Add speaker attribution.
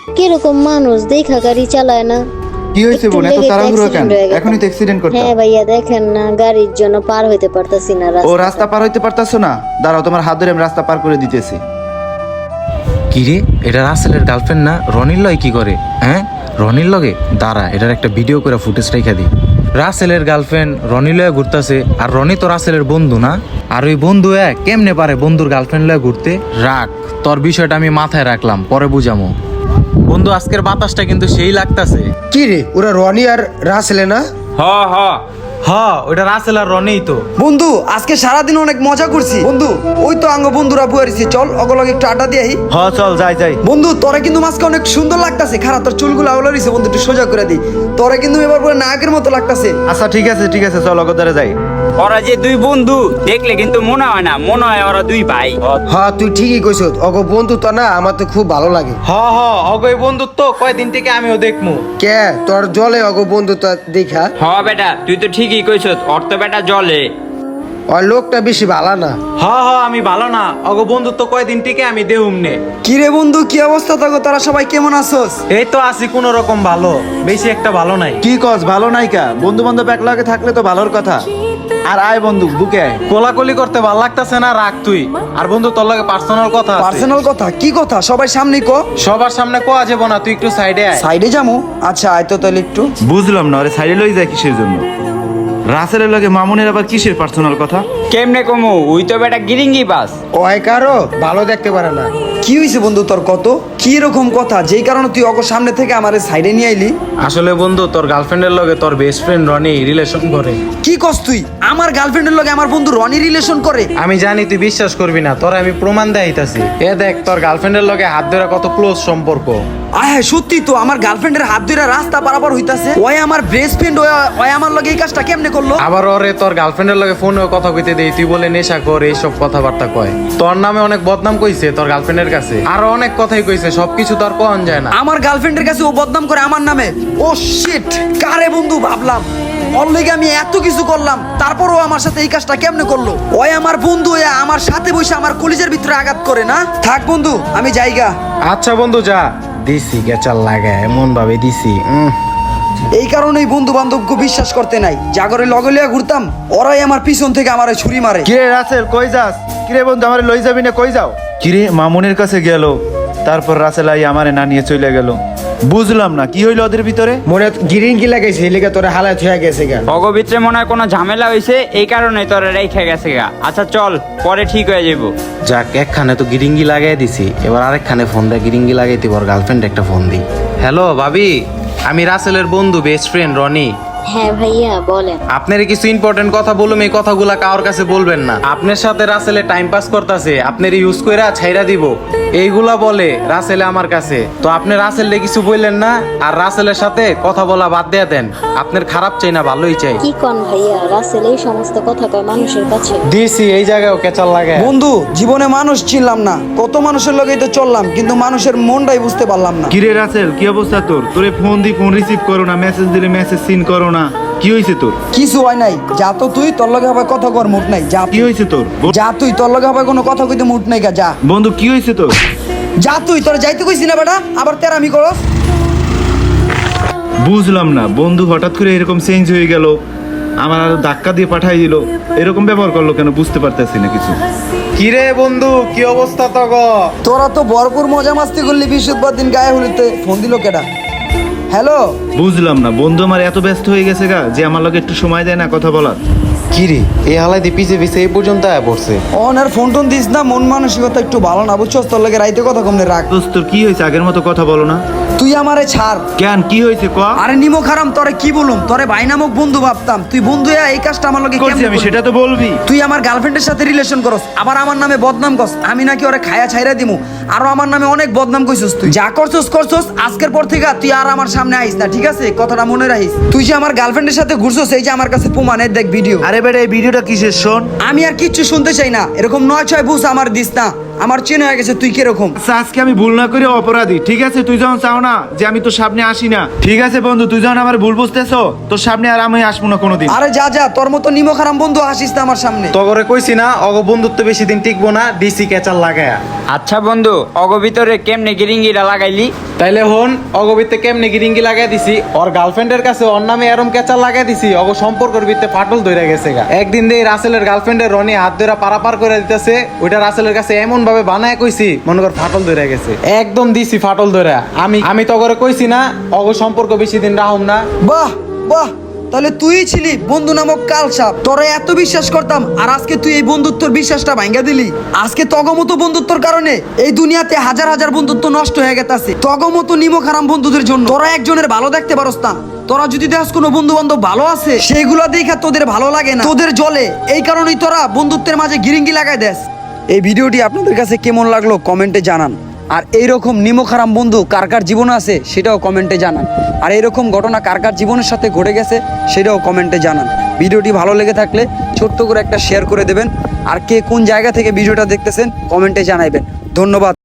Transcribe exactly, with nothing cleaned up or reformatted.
Speaker 1: কিরকম মানুষ দেখা গাড়ি চালায় না।
Speaker 2: কি হয়েছে বোন, এত তাড়াহুড়ো কেন? এখনই তো অ্যাক্সিডেন্ট করতে।
Speaker 1: হ্যাঁ ভাইয়া, দেখেন না গাড়ির জন্য পার হইতে পারতাছি না
Speaker 2: ও রাস্তা পার হইতে পারতাছো না? দাঁড়াও, তোমার হাত ধরে আমি রাস্তা পার করে দিতেছি।
Speaker 3: কি রে, এটা রাসেলের গার্লফ্রেন্ড না? রনির লয় কি করে? হ্যাঁ, রনির লগে দাঁড়া, এটার একটা ভিডিও করে ফুটেজ রেখে দিই। রাসেলের গার্লফ্রেন্ড রনি লয়ে ঘুরতেছে, আর রনি তো রাসেলের বন্ধু না? আর ওই বন্ধু এ কেমনে পারে বন্ধুর গার্লফ্রেন্ড লয়ে ঘুরতে? রাখ, তোর বিষয়টা আমি মাথায় রাখলাম, পরে বুঝামো। বন্ধু, আজকের বাতাসটা কিন্তু সেই লাগতাছে।
Speaker 4: কি রে, ওরা রনি আর রাসেলে না?
Speaker 3: হ হ হ, ওটা রাসেল আর রনিই তো।
Speaker 4: বন্ধু, আজকে সারাদিন অনেক মজা করছি বন্ধু। ওই তো আঙ্গ বন্ধুরা বুয়ারিছি, চল অগলগে একটু আড্ডা দিয়ে আই।
Speaker 2: হ চল, যাই যাই।
Speaker 4: বন্ধু, তোরা কিন্তু মাঝকে অনেক সুন্দর লাগতাছে। খারাপ, তোর চুলগুলো আউলারিছে বন্ধু, একটু সোজা করে দি। তোরা কিন্তু এবার পুরো নায়কের মতো লাগতাছে।
Speaker 2: আচ্ছা ঠিক আছে ঠিক আছে, চল অগদারে যাই।
Speaker 5: ওরা যে দুই বন্ধু দেখলে কিন্তু মনে হয় না, মনে হয় ওরা দুই ভাই।
Speaker 4: হ্যাঁ, তুই ঠিকই কইছ। অগ বন্ধু তো না, আমার তো খুব ভালো লাগে।
Speaker 3: হ হ, অগয় বন্ধুত্ব কয়দিন থেকে আমিও দেখমু।
Speaker 4: কে তোর জলে অগ বন্ধু তো দেখা?
Speaker 5: হ বেটা, তুই তো ঠিকই কইছ, ওর তো বেটা জলে।
Speaker 4: ওর লোকটা বেশি ভালো না।
Speaker 3: হ হ, আমি ভালো না, অগ বন্ধুত্ব কয়দিন থেকে আমি দেহুম নে।
Speaker 4: কি রে বন্ধু, কি অবস্থা তোর? তোরা সবাই কেমন আছোস?
Speaker 3: এই তো আছি কোন রকম ভালো, বেশি একটা ভালো নাই।
Speaker 2: কি কস, ভালো নাই কা? বন্ধু বান্ধব একলাগে থাকলে তো ভালোর কথা। আর আয় বন্ধু, বুকে আয়।
Speaker 3: কোলাকুলি করতে ভাল লাগতাছে না? রাখ তুই। আর বন্ধু, তোর লগে পার্সোনাল কথা আছে।
Speaker 4: পার্সোনাল কথা? কি কথা? সবাই সামনে কো।
Speaker 3: সবার সামনে কোয়া যাব না, তুই একটু সাইডে আয়।
Speaker 4: সাইডে যামু? আচ্ছা আয় তো তাহলে একটু।
Speaker 2: বুঝলাম না, আরে সাইডে লই যায় কিসের জন্য? রাসেলের লগে মামুনের আবার কিসের পার্সোনাল কথা?
Speaker 5: কেমনে কমু, ওই তো বেটা গিরিঙ্গি বাস।
Speaker 4: ওই কারো ভালো দেখতে পারে না। কি হইছে বন্ধু তোর? কত কি রকম কথা যেই কারণে তুই অগ সামনে থেকে আমারে সাইডে নিয়ে আইলি?
Speaker 3: আসলে বন্ধু, তোর গার্লফ্রেন্ডের লগে তোর বেস্ট ফ্রেন্ড রনি রিলেশন করে।
Speaker 4: কি কস তুই? আমার গার্লফ্রেন্ডের লগে আমার বন্ধু রনি রিলেশন করে?
Speaker 3: আমি জানি তুই বিশ্বাস করবি না, তোর আমি প্রমাণ দেখাইতাছি। এ দেখ, তোর গার্লফ্রেন্ডের লগে হাত ধরে কত ক্লোজ সম্পর্ক।
Speaker 4: আয় হ্যাঁ, সত্যি তো আমার গার্লফ্রেন্ডের হাত ধরে রাস্তা পারাপার হইতাছে। ওই আমার বেস্ট ফ্রেন্ড, ওই আমার লগে এই কাজটা কেমনে করলো?
Speaker 3: আবার ওরে তোর গার্লফ্রেন্ডের লগে ফোনে কথা কইতে দেই, তুই বলে নেশা কর, এইসব কথাবার্তা কয়। তোর নামে অনেক বদনাম কইছে তোর গার্লফ্রেন্ডের কাছে, আরো অনেক কথাই কইছে, সবকিছু তোর কোন যায় না।
Speaker 4: আমার গার্লফ্রেন্ডের কাছে ও বদনাম করে আমার নামে? ও শিট, কারে বন্ধু ভাবলাম। ওর লেগে আমি এত কিছু করলাম, তারপরও আমার সাথে এই কাজটা কেমনে করলো? ওই আমার বন্ধু, ওই আমার সাথে বসে আমার কলিজের ভিতরে আঘাত করে না। থাক বন্ধু, আমি যাইগা।
Speaker 3: আচ্ছা বন্ধু, যা। দিছি গেচাল লাগে, এমন ভাবে দিছি। উম।
Speaker 4: এই কারণেই বন্ধু বান্ধবকে বিশ্বাস করতে নাই। জাগরে লগে লিয়া ঘুরতাম, ওরাই আমার পিছন থেকে আমারে ছুরি মারে।
Speaker 2: কিরে রাসেল, কই যাস? কিরে বন্ধু, আমারে লই যাবি না? কই যাও? কিরে, মামুনের কাছে গেল, তারপর রাসেল আই আমারে না নিয়ে চলে গেল। বুঝলাম না কি হইলো ওদের ভিতরে।
Speaker 4: মনে গিরিঙ্গি লাগাইছে, এই লেগে তোরা হালাত হয়ে গেছে গা।
Speaker 5: অগবিত্রে মনে হয় কোনো ঝামেলা হয়েছে, এই কারণে তোরা রেখে গেছে গা। আচ্ছা চল, পরে ঠিক হয়ে যাবো।
Speaker 3: যাক, একখানে তো গিরিঙ্গি লাগাই দিছি, এবার আরেকখানে ফোন দেয় গিরিঙ্গি লাগাই দিব, গার্লফ্রেন্ড একটা ফোন দিই। হ্যালো ভাবি, আমি রাসেলের বন্ধু বেস্ট ফ্রেন্ড রনি।
Speaker 1: হ্যাঁ ভাইয়া, বলেন।
Speaker 3: আপনার কিছু ইম্পর্টেন্ট কথা বলুম, এই কথাগুলা কারোর কাছে বলবেন না। আপনার সাথে রাসেলে টাইম পাস করতেছে, আপনার ইউজ কইরা ছাইরা দিব, এইগুলা বলে রাসেলে আমার কাছে। তো আপনি রাসেলে কিছু বললেন না, আর রাসেলের সাথে কথা বলা বাদ দিয়ে দেন। আপনার খারাপ চাই না, ভালোই চাই।
Speaker 1: কি কোন ভাইয়া, রাসেল এই সমস্ত কথা কয় মানুষের কাছে?
Speaker 3: দিছি, এই জায়গায় কেচাল লাগে।
Speaker 4: বন্ধু, জীবনে মানুষ চিনলাম না, কত মানুষের লগেই তো চললাম, কিন্তু মানুষের মনটাই বুঝতে পারলাম না।
Speaker 2: কিরে রাসেল, কি অবস্থা তোর? তোরে ফোন দি, ফোন রিসিভ করো না, মেসেজ দিলে মেসেজ সিন করো না, কি হইছে তোর?
Speaker 4: কিছু হয় নাই, যা তো তুই, তোর লগে হবে কথা কর মুড নাই, যা।
Speaker 2: কি হইছে তোর?
Speaker 4: যা তুই, তোর লগে হবে কোনো কথা কইতে মুড নাই গা, যা।
Speaker 2: বন্ধু কি হইছে তোর?
Speaker 4: যা তুই, তোর যাইতে কইছি না বেটা, আবার তেরামি করস।
Speaker 2: বুঝলাম না, বন্ধু হঠাৎ করে এরকম চেঞ্জ হয়ে গেল, আমার আর ধাক্কা দিয়ে পাঠাই দিল, এরকম ব্যবহার করলো কেন বুঝতে পারতেছি না কিছু।
Speaker 3: কিরে বন্ধু, কি অবস্থা তো গো?
Speaker 4: তোরা তো ভরপুর মজা মাস্তি করলি, বৃহস্পতিবার দিন গায়ে হলিতে ফোন দিল কেডা? হ্যালো।
Speaker 2: বুঝলাম না, বন্ধু আমার এত ব্যস্ত হয়ে গেছে গা যে আমার লগে একটু সময় দেয় না কথা বলার।
Speaker 3: কিরে, এই হালাই দিয়ে পিছে পিছে এই পর্যন্ত আয়া পড়ছে।
Speaker 4: অন আর ফোন টোন দিস না, মন মানসিকতা একটু ভালো না, বুঝছস? তোর লগে রাইতে কথা কমনে রাখ।
Speaker 2: দোস্ত তোর কি হয়েছে? আগের মতো কথা বলো না
Speaker 4: তুই আমারে ছাড়।
Speaker 2: কেন, কি হয়েছে ক?
Speaker 4: আরে নিমো খারাম, তোরে কি বলুম? তোরে ভাই নামক বন্ধু ভাবতাম, তুই বন্ধু হয়ে এই কাজটা আমার লগে
Speaker 2: করছি
Speaker 4: কেমনে
Speaker 2: আমি,
Speaker 4: করলি?
Speaker 2: সেটা তো বলবি।
Speaker 4: তুই আমার গার্লফ্রেন্ডের সাথে রিলেশন করস, আবার আমার নামে বদনাম করস। আমি নাকি ওরে খায়া ছাইরা দিমু, আরো আমার নামে অনেক বদনাম কইছস। তুই যা করছস করছস, আজকের পর থেকে তুই আর আমার সামনে আইস না, ঠিক আছে? কথাটা মনে রাখিস। তুই যে আমার গার্লফ্রেন্ডের সাথে ঘুরছস, এই যে আমার কাছে প্রমাণ, এই দেখ ভিডিও।
Speaker 2: আরে বেটা, এই ভিডিওটা কিসের শোন?
Speaker 4: আমি আর কিচ্ছু শুনতে চাই না, এরকম নয় ছয় বুঝ আমার দিস না, আমার চেন হয়ে গেছে তুই কিরকম।
Speaker 2: আচ্ছা, আজকে আমি ভুল না করে অপরাধী, ঠিক আছে? তুই যখন চাও না যে আমি তোর সামনে আসি না, ঠিক আছে বন্ধু, তুই যখন আমার ভুল বুঝতেছো, তোর সামনে আর আমি আসবো না কোনোদিন।
Speaker 4: আরে যা যা, তোর মতো নিমো খারাম বন্ধু আসিস না আমার সামনে।
Speaker 3: তগরে কইছি না, অগ বন্ধুত্ব বেশি দিন টিকবো না, দিছি কেচাল লাগায়া।
Speaker 5: আচ্ছা বন্ধু, অগবিতরে কেমনে গিরিঙ্গিটা লাগাইলি?
Speaker 3: তাইলে হন অগবিতে কেমনে গিরিঙ্গি লাগাই দিছি ওর গার্লফ্রেন্ডের কাছে ওর নামে এরম কেচার লাগাই দিছি অগ সম্পর্কের ভিত্তে ফাটল ধরে গেছে গা। একদিন দিয়ে রাসেলের গার্লফ্রেন্ডের রনি হাত ধরে পারাপার করে দিতেছে, ওইটা রাসেলের কাছে এমন ভাবে বানায় কইছি মনে কর ফাটল ধরে গেছে, একদম দিছি ফাটল ধরে। আমি আমি তো করে কইছি না অগ সম্পর্ক বেশি দিন রাহুম না।
Speaker 4: বাহ বাহ, তাহলে তুই ছিলি বন্ধু নামক কালসাপ। তোরা এত বিশ্বাস করতাম আর আজকে তুই এই বন্ধুত্বর বিশ্বাসটা ভাঙ্গা দিলি। আজকে তগমতো বন্ধুত্বর কারণে এই দুনিয়াতে হাজার হাজার বন্ধুত্ব নষ্ট হয়ে গেছে। তগমতো নিমক হারাম বন্ধুদের জন্য তোরা একজনের ভালো দেখতে পারস না। তোরা যদি দেখ কোনো বন্ধু বান্ধব ভালো আছে সেইগুলো দেখা তোদের ভালো লাগে না, তোদের জলে, এই কারণেই তোরা বন্ধুত্বের মাঝে গিরিঙ্গি লাগাই দেস। এই ভিডিওটি আপনাদের কাছে কেমন লাগলো কমেন্টে জানান। আর এইরকম নিমখারাম বন্ধু কার কার জীবনে আছে সেটাও কমেন্টে জানান। আর এইরকম ঘটনা কার কার জীবনের সাথে ঘটে গেছে সেটাও কমেন্টে জানান। ভিডিওটি ভালো লেগে থাকলে ছোট্ট করে একটা শেয়ার করে দেবেন। আর কে কোন জায়গা থেকে ভিডিওটা দেখতেছেন কমেন্টে জানাইবেন। ধন্যবাদ।